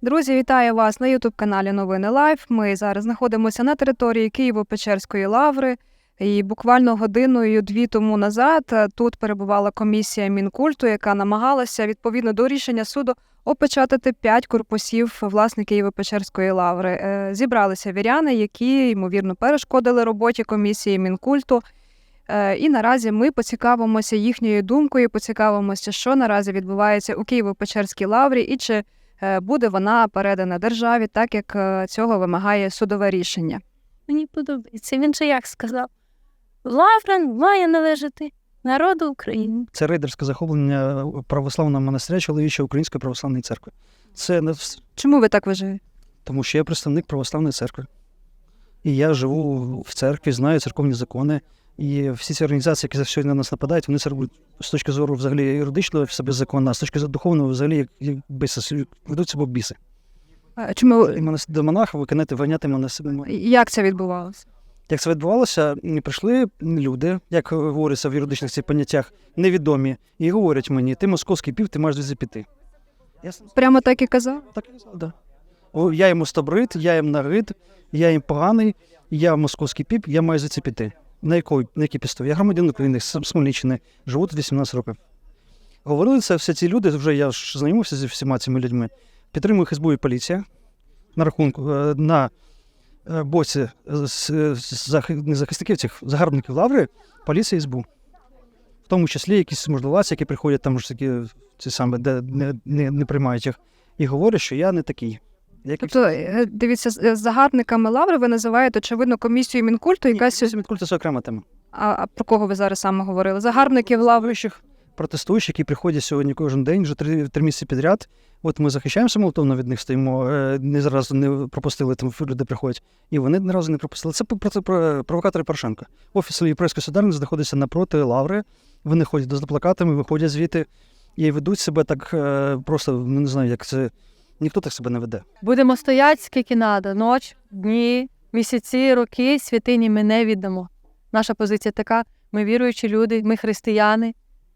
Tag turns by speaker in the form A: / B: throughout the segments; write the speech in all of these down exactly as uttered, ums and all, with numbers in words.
A: Друзі, вітаю вас на ютуб-каналі Новини Лайф. Ми зараз знаходимося на території Києво-Печерської лаври. І буквально годиною-дві тому назад тут перебувала комісія Мінкульту, яка намагалася, відповідно до рішення суду, опечатати п'ять корпусів власне Києво-Печерської лаври. Зібралися віряни, які, ймовірно, перешкодили роботі комісії Мінкульту. І наразі ми поцікавимося їхньою думкою, поцікавимося, що наразі відбувається у Києво-Печерській лаврі і чи буде вона передана державі, так як цього вимагає судове рішення.
B: Мені подобається. Він же як сказав? Лавра має належати народу України.
C: Це рейдерське захоплення православного монастиря чоловічої Української православної церкви. Це не...
A: Чому ви так вважаєте?
C: Тому що я представник православної церкви. І я живу в церкві, знаю церковні закони. І всі ці організації, які сьогодні на нас нападають, вони це роблять з точки зору взагалі юридичного в себе закону, а з точки зору духовного взагалі як, як біси, ведуть себе біси.
A: А чому?
C: До монаха виконати, виняти мене себе.
A: Як це відбувалося?
C: Як це відбувалося, прийшли люди, як говориться в юридичних цих поняттях, невідомі, і говорять мені, ти московський пів, ти маєш звідси піти. Я...
A: Прямо так і казав?
C: Так і казав, так. Да. Я їм остобрит, я їм нагид, я їм поганий, я московський піп, я маю звідси піти. На якій, на якій підставі? Я громадянин України, з Смольниччини, живу тут вісімнадцять років. Говорили це всі ці люди, вже я ж знайомився зі всіма цими людьми. Підтримує СБУ і поліція на рахунку, на боці не захисників цих загарбників лаври, поліція і СБУ. В тому числі якісь можливості, які приходять там ж такі, ці самі, де не, не, не приймають їх, і говорять, що я не такий. Як
A: тобто, дивіться, з загарбниками лаври ви називаєте, очевидно, комісію Мінкульту, яка...
C: Ні, Мінкульту – це окрема тема.
A: А, а про кого ви зараз саме говорили? Загарбників лаври?
C: Протестуючих, які приходять сьогодні кожен день, вже три, три місяці підряд. От ми захищаємося молотовно від них, стоїмо, не зараз не пропустили, там люди приходять. І вони ні разу не пропустили. Це провокатори Порошенка. Офіс Європейської солідарності знаходиться напроти лаври. Вони ходять з плакатами, виходять звідти і ведуть себе так просто, не знаю, як це... Ніхто так себе не веде.
B: Будемо стояти скільки треба. Ноч, дні, місяці, роки, святині ми не віддамо. Наша позиція така. Ми віруючі люди, ми християни,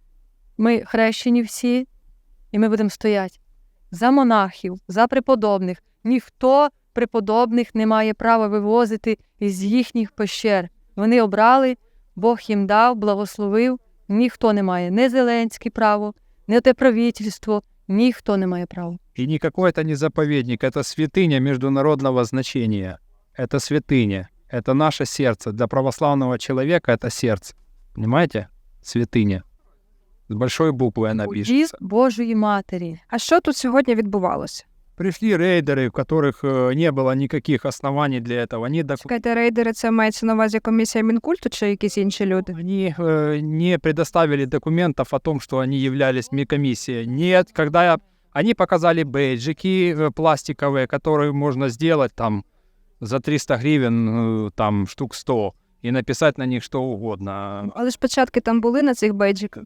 B: ми хрещені всі, і ми будемо стояти. За монахів, за преподобних. Ніхто преподобних не має права вивозити із їхніх пещер. Вони обрали, Бог їм дав, благословив. Ніхто не має. Не Зеленський право, не те правительство. Никто не має права.
D: И никакой это не заповедник, это святыня международного значения. Это святыня. Это наше сердце. Для православного человека это сердце. Понимаете? Святыня. С большой буквы она
B: Уділ
D: пишется.
B: Божої Матері.
A: А що тут сьогодні відбувалося?
D: Пришли рейдеры, у которых не было никаких оснований для этого. Они, док...
A: Чекайте, рейдери, це мається на увазі комісія Мінкульту чи якісь інші люди?
D: они э, не предоставили документов о том, что они являлись медкомиссией. Нет, когда я... они показали бейджики э, пластиковые, которые можно сделать там за триста гривен, э, там штук сто, и написать на них что угодно.
A: Але ж початки там були на цих бейджиках?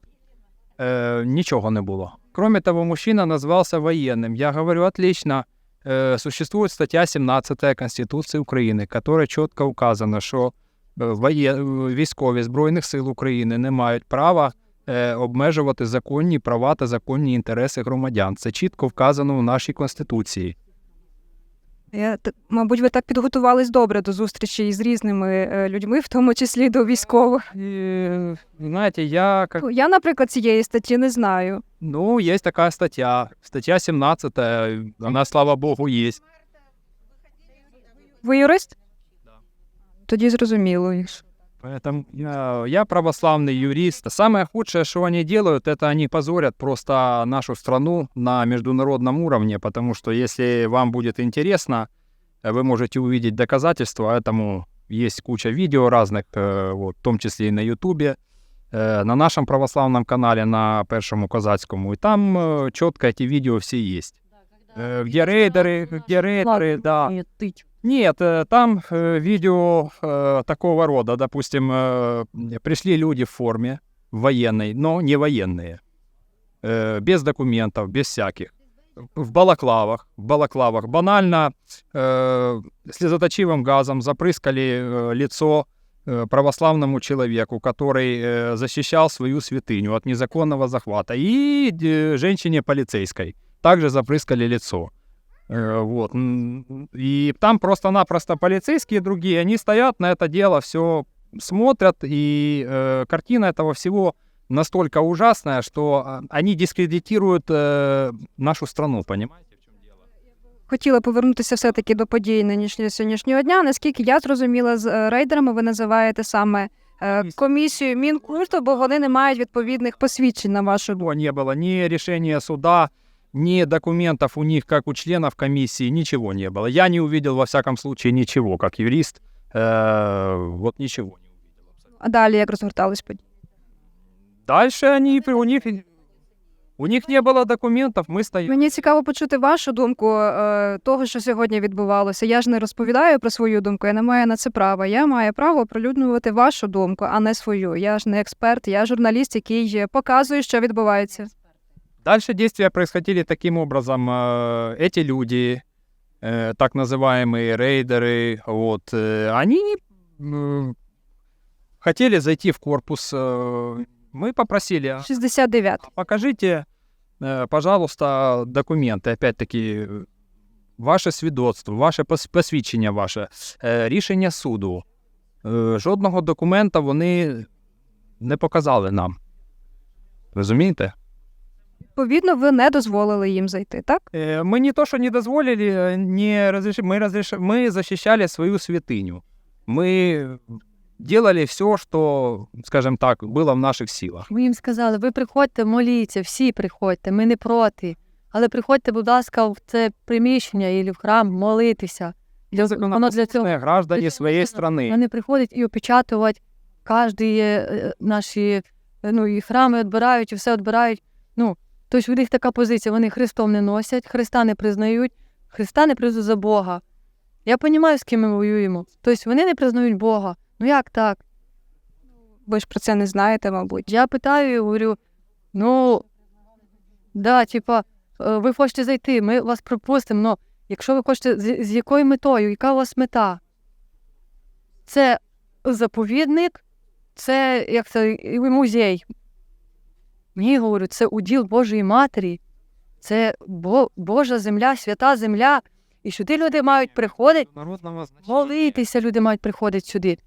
D: Э, ничего не было. Кроме того, мужчина назвался военным. Я говорю, отлично. Э, существует статья семнадцатая Конституции Украины, которая четко указано, що воє... військові Збройних сил України не мають права е, обмежувати законні права та законні інтереси громадян. Це чітко вказано в нашій Конституції.
A: Я, мабуть, ви так підготувались добре до зустрічі із різними е, людьми, в тому числі до військових.
D: И, знаете, я... Как...
A: Я, наприклад, цієї статті не знаю.
D: Ну, есть такая статья. Статья семнадцатая. Она, слава богу, есть.
A: Ви юрист? Да. Тоді зрозуміло.
D: Поэтому я, я православный юрист. Самое худшее, что они делают, это они позорят просто нашу страну на международном уровне, потому что если вам будет интересно, вы можете увидеть доказательства этому. Есть куча видео разных, вот, в том числе и на Ютубе, на нашем православном канале, на Першому Козацькому. И там четко эти видео все есть. Где рейдеры, где рейдеры, да. Нет, там э, видео э, такого рода, допустим, э, пришли люди в форме военной, но не военные, э, без документов, без всяких, в балаклавах, в балаклавах. Банально э, слезоточивым газом запрыскали э, лицо э, православному человеку, который э, защищал свою святыню от незаконного захвата, и э, женщине полицейской также запрыскали лицо. Э, Вот. М, И там просто-напросто полицейские другие, они стоят на это дело, все смотрят, и э, картина этого всего настолько ужасная, что а, они дискредитируют э, нашу страну, понимаете?
A: Хотіла повернутися все-таки до подій нинішнього сьогоднішнього дня. Наскільки я зрозуміла, з е, рейдерами ви називаєте саме е, комісію Мінкульту, бо вони не мають відповідних посвідчень на вашу думку.
D: Ничего не было, ни решения суда, ни документов у них, как у членов комиссии, ничего не было. Я не увидел, во всяком случае, ничего, как юрист, э, вот ничего не увидел.
A: А далі як розгортались події?
D: Дальше они, при- у них, у них не было документов, мы стояли.
A: Мені цікаво почути вашу думку е, того, що сьогодні відбувалося. Я ж не розповідаю про свою думку, я не маю на це права. Я маю право оприлюднювати вашу думку, а не свою. Я ж не експерт, я журналіст, який показує, що відбувається.
D: Дальше действия происходили таким образом. э, Эти люди, э, так называемые рейдеры, вот, э, они э, хотели зайти в корпус. э, Мы попросили, «А
A: шістдесят дев'ять.
D: покажите, э, пожалуйста, документы, опять-таки, э, ваше свідоцтво, ваше пос- посвідчення ваше, е, рішення суду. Е, Жодного документа вони не показали нам. Розумієте?
A: Відповідно, ви не дозволили їм зайти, так?
D: Е, Ми не то, що не дозволили, е, не розреш... ми, розреш... ми захищали свою святиню. Ми делали все, що, скажімо так, було в наших силах.
B: Ми їм сказали, ви приходьте, моліться, всі приходьте, ми не проти. Але приходьте, будь ласка, в це приміщення і в храм молитися. Для, воно для цього.
D: Граждані
B: для цього
D: своєї
B: потрібно.
D: країни.
B: Вони приходять і опечатувати кожні е, наші е, ну, і храми відбирають, і все відбирають. Ну, тобто у них така позиція, вони Христом не носять, Христа не признають, Христа не признають за Бога. Я розумію, з ким ми воюємо. Тобто вони не признають Бога. Ну як так?
A: Ви ж про це не знаєте, мабуть.
B: Я питаю і говорю, ну, да, типа, е, ви хочете зайти, ми вас пропустимо, але якщо ви хочете, з, з якою метою, яка у вас мета? Це заповідник, це, як це, і музей. Ні, говорю, це уділ Божої Матері, це Бо, Божа земля, свята земля, і сюди люди мають приходити, молитися люди мають приходити сюди.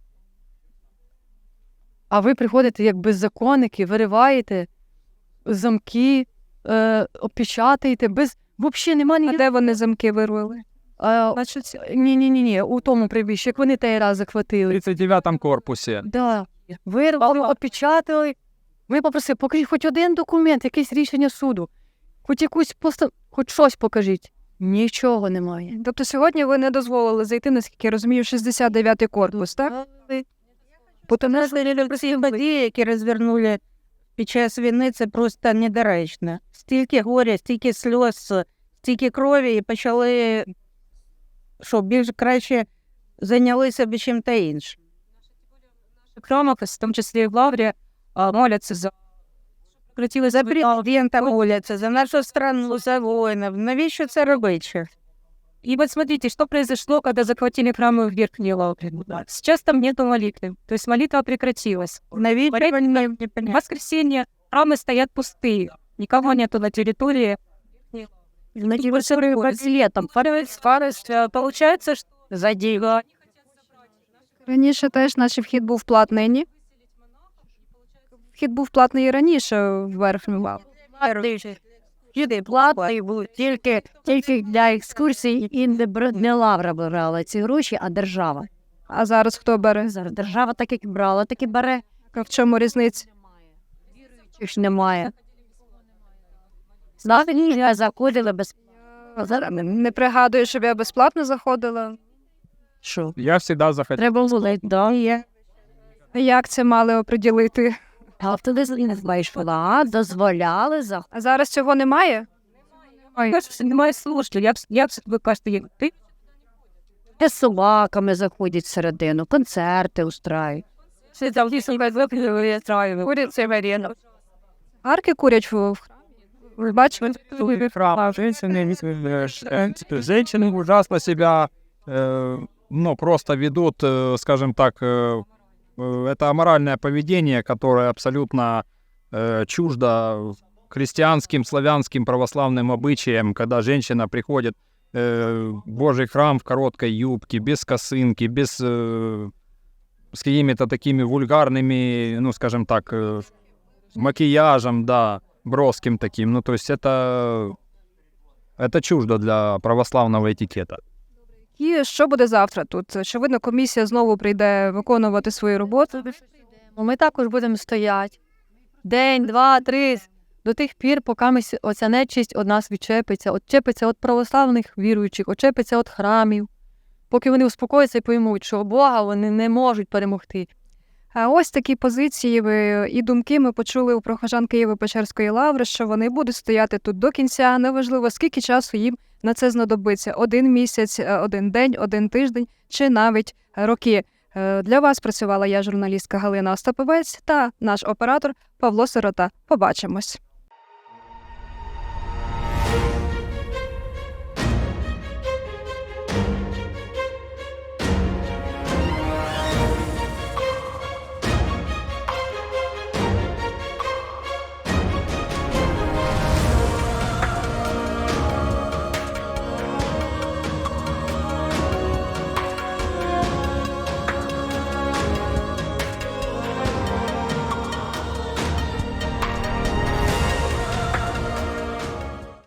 B: А ви приходите як беззаконники, вириваєте замки, е, опечатаєте, без... Взагалі нема
A: А
B: ніяких...
A: де вони замки вирвали?
B: Е,
A: Значить,
B: Ні-ні-ні, у тому приміщенні, як вони той раз
D: В
B: захватили.
D: тридцять дев'ятому корпусі.
B: Да. Вирвали, опечатали. Ми попросили, покажіть хоч один документ, якесь рішення суду, хоч якусь поста... хоч щось покажіть. Нічого немає.
A: тобто сьогодні ви не дозволили зайти, наскільки я розумію, в шістдесят дев'ятий корпус, так?
E: Тому що всі події, які розвернули під час війни, це просто недоречно. Стільки горя, стільки сльоз, стільки крові, і почали, що більш краще зайнялися б чим-то іншим.
F: В храмах, в тому числі і в Лаврі, а, моляться за прекратили
E: За президента моляться, за нашу страну, за воїнів. Навіщо це робити?
F: И вот смотрите, что произошло, когда захватили храмы в Верхней Лавре. Сейчас там нету молитвы, то есть молитва прекратилась.
E: Навіщо
F: Молитва-
E: вони не
F: В
E: понятно.
F: воскресенье храмы стоят пустые, никого нету на территории.
E: Значить, ви що летом
F: Получается, что
E: за діла.
A: Раніше теж наче вхід був платний, ні? Вхід був платний і раніше в верхню лавру.
E: Люди платні будуть тільки, тільки для екскурсій, і не, бр- не лавра брала ці гроші, а держава.
A: А зараз хто бере?
E: Зараз держава так як брала, так і бере.
A: В чому різниця?
E: Чи ж немає. Знаєте, я заходила без... Зараз
A: Не пригадую, щоб я безплатно заходила.
E: що?
D: Я завжди захотів.
E: Треба було, да, є.
A: Як це мали оприділити?
E: А ти не знаєш, а дозволяли заходити.
A: А зараз цього немає?
F: кажется, немає слушателей. Як, як ви кажете, як ти?
E: З собаками заходять всередину, концерти устраюють.
F: Все там всі себе випили, курять це варіант.
A: Арки курять в в храмі. Ви бачите?
D: Храм, женщины, э, женщины ужасно себя, э, ну, просто ведут, э, скажем так, э, э, это аморальное поведение, которое абсолютно э, чуждо христианским, славянским, православным обычаям, когда женщина приходит э, Божий храм в короткой юбке, без косынки, без э, с какими-то такими вульгарными, ну, скажем так, э, макияжем, да, броским таким. Ну, то есть это, это чуждо для православного этикета.
A: І що буде завтра тут? Очевидно, комісія знову прийде виконувати свою роботу.
B: Ми також будемо стояти день, два, три, до тих пір, поки ми, с- оця нечисть від нас відчепиться, відчепиться від православних віруючих, відчепиться від храмів, поки вони успокояться і поймуть, що Бога вони не можуть перемогти.
A: А ось такі позиції ви і думки ми почули у прихожан Києво-Печерської лаври, що вони будуть стояти тут до кінця, неважливо, скільки часу їм на це знадобиться. Один місяць, е, один день, один тиждень чи навіть роки. Е, Для вас працювала я, журналістка Галина Остаповець, та наш оператор Павло Сирота. Побачимось.